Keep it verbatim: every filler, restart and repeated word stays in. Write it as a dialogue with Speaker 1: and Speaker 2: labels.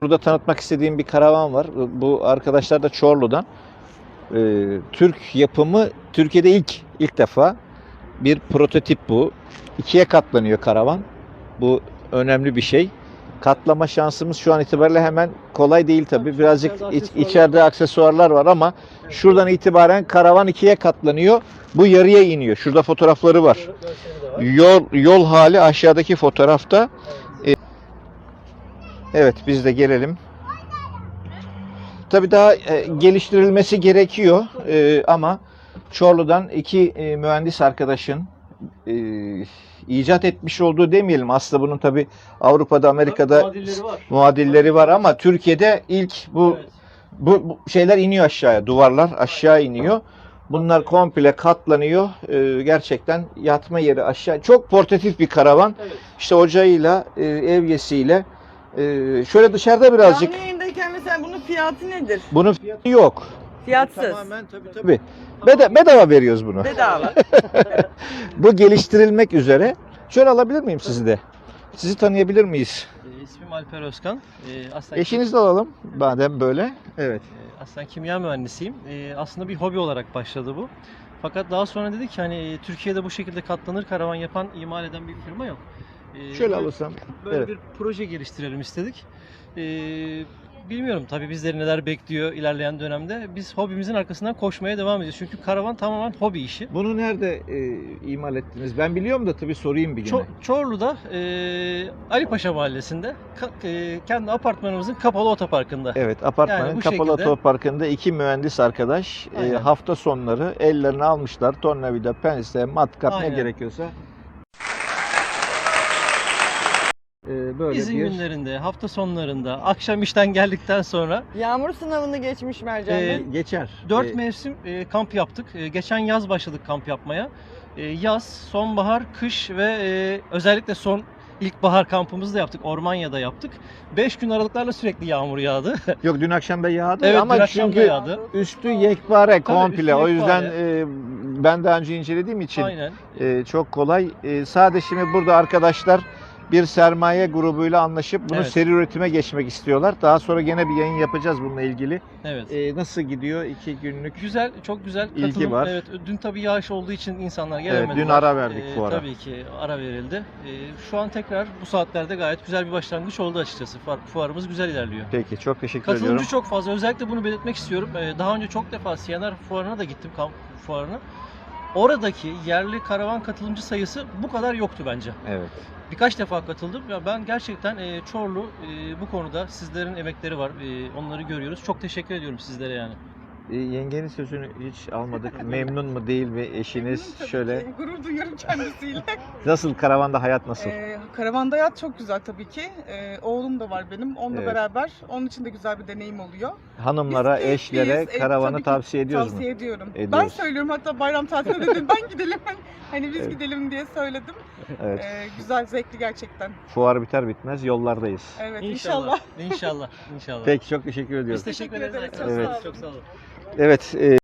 Speaker 1: Burada tanıtmak istediğim bir karavan var. Bu arkadaşlar da Çorlu'dan. Ee, Türk yapımı, Türkiye'de ilk ilk defa bir prototip bu. İkiye katlanıyor karavan. Bu önemli bir şey. Katlama şansımız şu an itibariyle hemen kolay değil tabii. Birazcık iç, içeride aksesuarlar var ama şuradan itibaren karavan ikiye katlanıyor. Bu yarıya iniyor. Şurada fotoğrafları var. Yol yol hali aşağıdaki fotoğrafta. Evet, biz de gelelim. Tabii daha e, geliştirilmesi gerekiyor e, ama Çorlu'dan iki e, mühendis arkadaşın e, icat etmiş olduğu demeyelim. Aslında bunun tabii Avrupa'da, Amerika'da
Speaker 2: muadilleri var.
Speaker 1: muadilleri var ama Türkiye'de ilk bu,
Speaker 2: Evet.
Speaker 1: bu bu şeyler iniyor aşağıya, duvarlar aşağı iniyor. Bunlar komple katlanıyor. E, gerçekten yatma yeri aşağı. Çok portatif bir karavan.
Speaker 2: Evet.
Speaker 1: İşte ocağıyla, e, evyesiyle. e, şöyle dışarıda birazcık.
Speaker 3: Canlı yayındayken mesela bunun fiyatı nedir?
Speaker 1: Bunun fiyatı yok.
Speaker 3: Fiyatsız.
Speaker 1: Tamamen tabii tabii. Beda- bedava veriyoruz bunu.
Speaker 3: Bedava.
Speaker 1: Bu geliştirilmek üzere. Şöyle alabilir miyim sizi de? Sizi tanıyabilir miyiz?
Speaker 2: E, ismim Alper Özkan. E, aslen
Speaker 1: Eşinizi de alalım. Madem böyle. Evet.
Speaker 2: E, aslen kimya mühendisiyim. E, aslında bir hobi olarak başladı bu. Fakat daha sonra dedik ki hani e, Türkiye'de bu şekilde katlanır karavan yapan, imal eden bir firma yok. E,
Speaker 1: Şöyle
Speaker 2: böyle-
Speaker 1: alırsam.
Speaker 2: Böyle
Speaker 1: Evet.
Speaker 2: bir proje geliştirelim istedik. E, bilmiyorum tabii bizleri neler bekliyor ilerleyen dönemde. Biz hobimizin arkasından koşmaya devam ediyoruz. Çünkü karavan tamamen hobi işi.
Speaker 1: Bunu nerede e, imal ettiniz? Ben biliyorum da tabii sorayım bir
Speaker 2: Ço-
Speaker 1: gene.
Speaker 2: Çorlu'da e, Ali Paşa Mahallesi'nde ka- e, kendi apartmanımızın kapalı otoparkında.
Speaker 1: Evet, apartmanın
Speaker 2: Yani bu
Speaker 1: kapalı
Speaker 2: şekilde-
Speaker 1: otoparkında iki mühendis arkadaş e,
Speaker 2: Aynen.
Speaker 1: hafta sonları ellerini almışlar. Tornavida, pense, matkap ne
Speaker 2: Aynen.
Speaker 1: gerekiyorsa. E, böyle
Speaker 2: İzin
Speaker 1: bir
Speaker 2: günlerinde, hafta sonlarında, akşam işten geldikten sonra
Speaker 3: Yağmur sınavını geçmiş Mercan
Speaker 2: Ee,
Speaker 3: Bey.
Speaker 1: geçer.
Speaker 2: dört
Speaker 1: E,
Speaker 2: mevsim e, kamp yaptık. E, geçen yaz başladık kamp yapmaya. E, yaz, sonbahar, kış ve e, özellikle son ilkbahar kampımızı da yaptık. Ormanya'da yaptık. beş gün aralıklarla sürekli yağmur yağdı.
Speaker 1: Yok, dün akşam da yağdı
Speaker 2: Evet,
Speaker 1: ama
Speaker 2: dün akşam da
Speaker 1: çünkü
Speaker 2: yağdı.
Speaker 1: üstü yekpare
Speaker 2: Tabii,
Speaker 1: komple.
Speaker 2: üstü
Speaker 1: O yüzden
Speaker 2: yekpare.
Speaker 1: e, ben daha önce incelediğim için
Speaker 2: Aynen.
Speaker 1: e, çok kolay. E, sadece şimdi burada arkadaşlar bir sermaye grubuyla anlaşıp bunu
Speaker 2: Evet.
Speaker 1: seri üretime geçmek istiyorlar. Daha sonra gene bir yayın yapacağız bununla ilgili.
Speaker 2: Evet.
Speaker 1: E, nasıl gidiyor iki günlük?
Speaker 2: Güzel, çok güzel
Speaker 1: İlgi
Speaker 2: katılım.
Speaker 1: var.
Speaker 2: Evet, dün tabii yağış olduğu için insanlar
Speaker 1: Evet,
Speaker 2: gelemediler.
Speaker 1: dün ara verdik
Speaker 2: Ee,
Speaker 1: fuara.
Speaker 2: Tabii ki ara verildi. Ee, şu an tekrar bu saatlerde gayet güzel bir başlangıç oldu açıkçası. Fuar- Fuarımız güzel ilerliyor.
Speaker 1: Peki, çok teşekkür
Speaker 2: Katılımcı
Speaker 1: ediyorum.
Speaker 2: çok fazla. Özellikle bunu belirtmek istiyorum. Ee, daha önce çok defa C N R fuarına da gittim, kamp fuarına. Oradaki yerli karavan katılımcı sayısı bu kadar yoktu bence.
Speaker 1: Evet.
Speaker 2: Birkaç defa katıldım. Ya ben gerçekten e, Çorlu e, bu konuda sizlerin emekleri var. E, onları görüyoruz. Çok teşekkür ediyorum sizlere yani.
Speaker 1: E, yengenin sözünü hiç almadık. Memnun mu değil mi eşiniz?
Speaker 4: Tabii
Speaker 1: Şöyle
Speaker 4: ki. Gurur duyuyorum kendisiyle.
Speaker 1: nasıl, karavanda hayat nasıl?
Speaker 4: ee, karavanda hayat çok güzel tabii ki. Ee, oğlum da var benim. Onunla
Speaker 1: Evet.
Speaker 4: beraber. Onun için de güzel bir deneyim oluyor.
Speaker 1: Hanımlara,
Speaker 4: Biz
Speaker 1: eşlere
Speaker 4: keyifliyiz. Ee,
Speaker 1: karavanı
Speaker 4: tabii ki
Speaker 1: tavsiye ediyoruz mu?
Speaker 4: Tavsiye ediyorum. Ben
Speaker 1: Ediyoruz.
Speaker 4: söylüyorum, hatta bayram tatiline dedim ben gidelim. Hani biz
Speaker 1: Evet.
Speaker 4: gidelim diye söyledim.
Speaker 1: Evet.
Speaker 4: Ee, güzel, zevkli gerçekten.
Speaker 1: Fuar biter bitmez yollardayız.
Speaker 4: Evet,
Speaker 2: İnşallah.
Speaker 4: inşallah.
Speaker 2: İnşallah. İnşallah.
Speaker 1: Peki, çok teşekkür ediyorum.
Speaker 2: Biz teşekkür
Speaker 4: Teşekkür
Speaker 2: ederiz.
Speaker 4: ederiz.
Speaker 2: arkadaşlar.
Speaker 1: Evet.
Speaker 2: Çok sağ olun.
Speaker 1: Evet. e,